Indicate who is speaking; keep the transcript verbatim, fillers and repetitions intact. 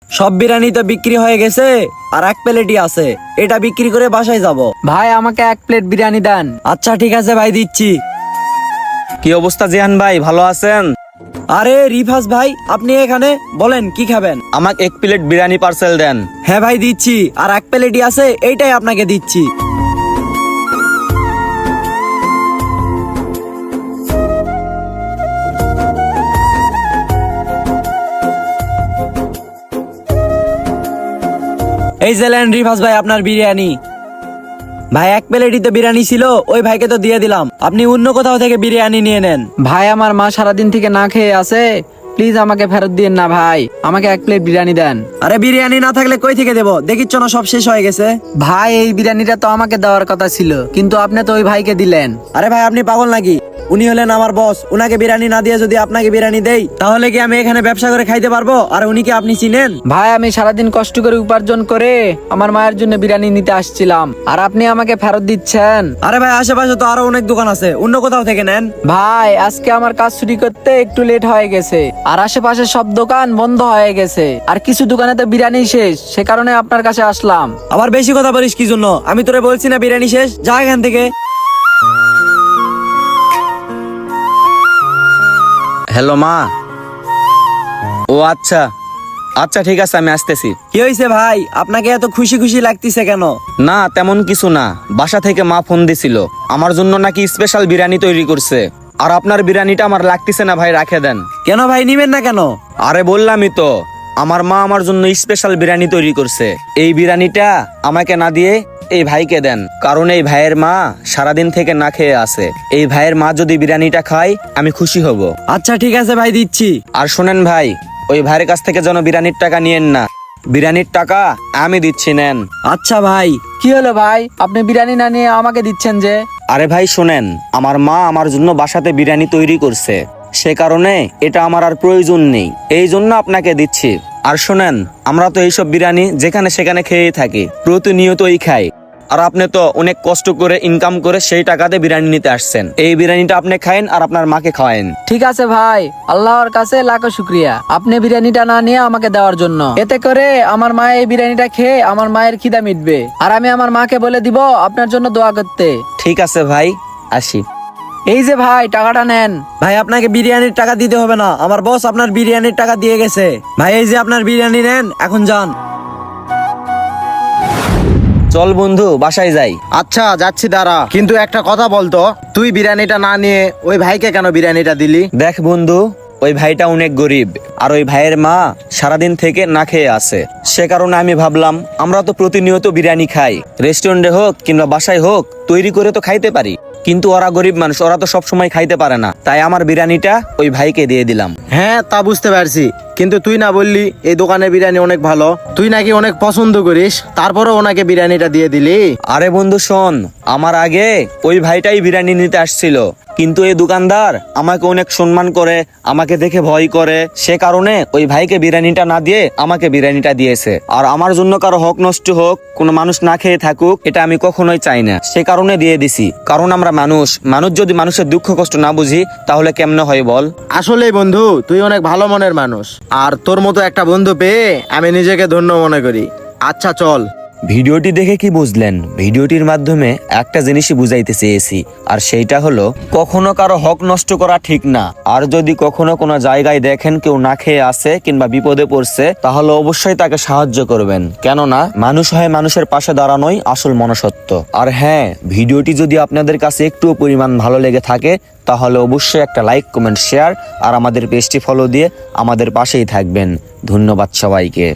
Speaker 1: সব বিরিয়ানি তো বিক্রি হয়ে গেছে, আর এক প্লেটই আছে, এটা বিক্রি করে বাসায় যাব।
Speaker 2: ভাই আমাকে এক প্লেট বিরিয়ানি দেন।
Speaker 1: আচ্ছা ঠিক আছে ভাই, দিচ্ছি।
Speaker 3: কি অবস্থা জিহান ভাই, ভালো আছেন?
Speaker 1: আরে রিফাজ ভাই, আপনি এখানে? বলেন কি খাবেন?
Speaker 3: আমাকে এক প্লেট বিরিয়ানি পার্সেল দেন।
Speaker 1: হ্যাঁ ভাই দিচ্ছি, আর এক প্লেটই আছে, এইটাই আপনাকে দিচ্ছি। এই যে লেন রিফাজ ভাই আপনার বিরিয়ানি। ভাই এক প্লেটই তো বিরিয়ানি ছিল, ওই ভাইকে তো দিয়ে দিলাম, আপনি অন্য কোথাও থেকে বিরিয়ানি নিয়ে নেন।
Speaker 2: ভাই আমার মা সারাদিন থেকে না খেয়ে আছে, প্লিজ আমাকে ফেরত দিন না ভাই, আমাকে এক প্লেট বিরিয়ানি দেন।
Speaker 1: আরে বিরিয়ানি না থাকলে কই থেকে দেবো, দেখিচ্ছ না সব শেষ হয়ে গেছে।
Speaker 2: ভাই এই বিরিয়ানিটা তো আমাকে দেওয়ার কথা ছিল, কিন্তু আপনি তো ওই ভাইকে দিলেন।
Speaker 1: আরে ভাই আপনি পাগল নাকি? উনি হলেন আমার বস, উনাকে বিরিয়ানি না দিয়ে যদি আপনাকে বিরিয়ানি দেই, তাহলে কি আমি এখানে ব্যবসা করে খাইতে পারবো? আর উনি কি আপনি চিনেন?
Speaker 2: ভাই আমি সারাদিন কষ্ট করে উপার্জন করে আমার মায়ের জন্য বিরিয়ানি নিতে আসছিলাম, আর আপনি আমাকে ফেরত দিচ্ছেন।
Speaker 1: আরে ভাই আশেপাশে তো আরো অনেক দোকান আছে, অন্য কোথাও থেকে নেন।
Speaker 2: ভাই আজকে আমার কাজ ছুটি করতে একটু লেট হয়ে গেছে, আর আশেপাশে সব দোকান বন্ধ হয়ে গেছে, আর কিছু দোকানে তো বিরিয়ানি শেষ, সে কারণে আপনার কাছে আসলাম।
Speaker 1: আবার বেশি কথা বলিস কি জন্য? আমি তোরে বলছি না বিরিয়ানি শেষ, যা এখান থেকে।
Speaker 3: হ্যালো মা। ও আচ্ছা আচ্ছা ঠিক আছে, আমি আসতেছি।
Speaker 1: কি হয়েছে ভাই, আপনাকে এত খুশি খুশি লাগতেছে কেন?
Speaker 3: না তেমন কিছু না, বাসা থেকে মা ফোন দিছিল, আমার জন্য নাকি স্পেশাল বিরিয়ানি তৈরি করছে। আর আপনার বিরিয়ানিটা আমার লাগতেছে না ভাই, রাখে দেন।
Speaker 1: কেন ভাই, নিবেন না কেন?
Speaker 3: আরে বললামই তো, আমার মা আমার জন্য স্পেশাল বিরিয়ানি তৈরি করছে, এই বিরিয়ানিটা আমাকে না দিয়ে এই ভাইকে দেন, কারণ এই ভাইয়ের মা সারাদিন থেকে না খেয়ে আছে। এই ভাইয়ের মা যদি বিরিয়ানিটা খায় আমি খুশি হব।
Speaker 1: আচ্ছা ঠিক আছে ভাই, দিচ্ছি।
Speaker 3: আর শোনেন ভাই, ওই ভাইয়ের কাছ থেকে যেন বিরিয়ানির টাকা নিয়েন না, বিরিয়ানির টাকা আমি দিচ্ছি, নেন।
Speaker 1: আচ্ছা ভাই।
Speaker 2: কি হলো ভাই, আপনি বিরিয়ানি না নিয়ে আমাকে দিচ্ছেন যে?
Speaker 3: আরে ভাই শোনেন, আমার মা আমার জন্য বাসাতে বিরিয়ানি তৈরি করছে, সে কারণে এটা আমার আর প্রয়োজন নেই, এই জন্য আপনাকে দিচ্ছি। আর শোনেন, আমরা তো এইসব বিরিয়ানি যেখানে সেখানে খেয়েই থাকি, প্রতিনিয়তই খাই, আর আপনি তো অনেক কষ্ট করে ইনকাম করে সেই টাকাতে বিরিয়ানি নিতে আসছেন, এই বিরিয়ানিটা আপনি খায়েন আর আপনার মাকে খাওয়ায়েন।
Speaker 2: ঠিক আছে ভাই, আল্লাহর কাছে লাখো শুক্রিয়া আপনি বিরিয়ানিটা না নিয়ে আমাকে দেওয়ার জন্য। এতে করে আমার মা এই বিরিয়ানিটা খেয়ে আমার মায়ের খিদা মিটবে, আর আমি আমার মাকে বলে দিব আপনার জন্য দোয়া করতে।
Speaker 3: ঠিক আছে ভাই, আসি।
Speaker 2: এই যে ভাই টাকাটা নেন।
Speaker 1: ভাই আপনাকে বিরিয়ানির টাকা দিতে হবে না, আমার বস আপনার বিরিয়ানির টাকা দিয়ে গেছে। ভাই এই যে আপনার বিরিয়ানি নেন, এখন যান।
Speaker 3: চল বন্ধু বাসায় যাই।
Speaker 4: আচ্ছা যাচ্ছি, দাঁড়া, কিন্তু একটা কথা বলতো, তুই বিরিয়ানিটা না নিয়ে ওই ভাইকে কেন বিরিয়ানিটা দিলি?
Speaker 3: দেখ বন্ধু, ওই ভাইটা অনেক গরিব, আর ওই ভাইয়ের মা সারাদিন থেকে না খেয়ে আছে, সে কারণে আমি ভাবলাম আমরা তো প্রতিনিয়ত বিরিয়ানি খাই, রেস্টুরেন্টে হোক কিংবা বাসায় হোক তৈরি করে তো খাইতে পারি, কিন্তু ওরা গরিব মানুষ, ওরা তো সব সময় খাইতে পারে না, তাই আমার বিরিয়ানিটা ওই ভাইকে দিয়ে দিলাম।
Speaker 4: হ্যাঁ তা বুঝতে পারছি, কিন্তু তুই না বললি এই দোকানের বিরিয়ানি অনেক ভালো, তুই নাকি অনেক পছন্দ করিস, তারপরে ওনাকে বিরিয়ানিটা দিয়ে দিলি?
Speaker 3: আরে বন্ধু শোন, আমার আগে ওই ভাইটাই বিরিয়ানি নিতে আসছিল, কিন্তু এই দোকানদার আমাকে অনেক সম্মান করে, আমাকে দেখে ভয় করে, সে কারণে ওই ভাইকে বিরিয়ানিটা না দিয়ে আমাকে বিরিয়ানিটা দিয়েছে। আর আমার জন্য কারো হক নষ্ট হোক, কোনো মানুষ না খেয়ে থাকুক, এটা আমি কখনোই চাই না, সে কারণে দিয়ে দিছি। কারণ আমরা মানুষ, মানুষ যদি মানুষের দুঃখ কষ্ট না বুঝি তাহলে কেমনে হয় বল?
Speaker 4: আসলেই বন্ধু, তুই অনেক ভালো মনের মানুষ, আর তোর মতো একটা বন্ধু পেয়ে আমি নিজেকে ধন্য মনে করি। আচ্ছা চল।
Speaker 3: ভিডিওটি দেখে কি বুঝলেন? ভিডিওটির মাধ্যমে একটা জিনিসই বুঝাইতে চেয়েছি, আর সেইটা হলো কখনো কারো হক নষ্ট করা ঠিক না। আর যদি কখনো কোনো জায়গায় দেখেন কেউ না খেয়ে আছে কিংবা বিপদে পড়ছে, তাহলে অবশ্যই তাকে সাহায্য করবেন, কেননা মানুষ হয় মানুষের পাশে দাঁড়ানোই আসল মনুষ্যত্ব। আর হ্যাঁ, ভিডিওটি যদি আপনাদের কাছে একটু পরিমাণ ভালো লেগে থাকে তাহলে অবশ্যই একটা লাইক, কমেন্ট, শেয়ার আর আমাদের পেজটি ফলো দিয়ে আমাদের পাশেই থাকবেন। ধন্যবাদ সবাইকে।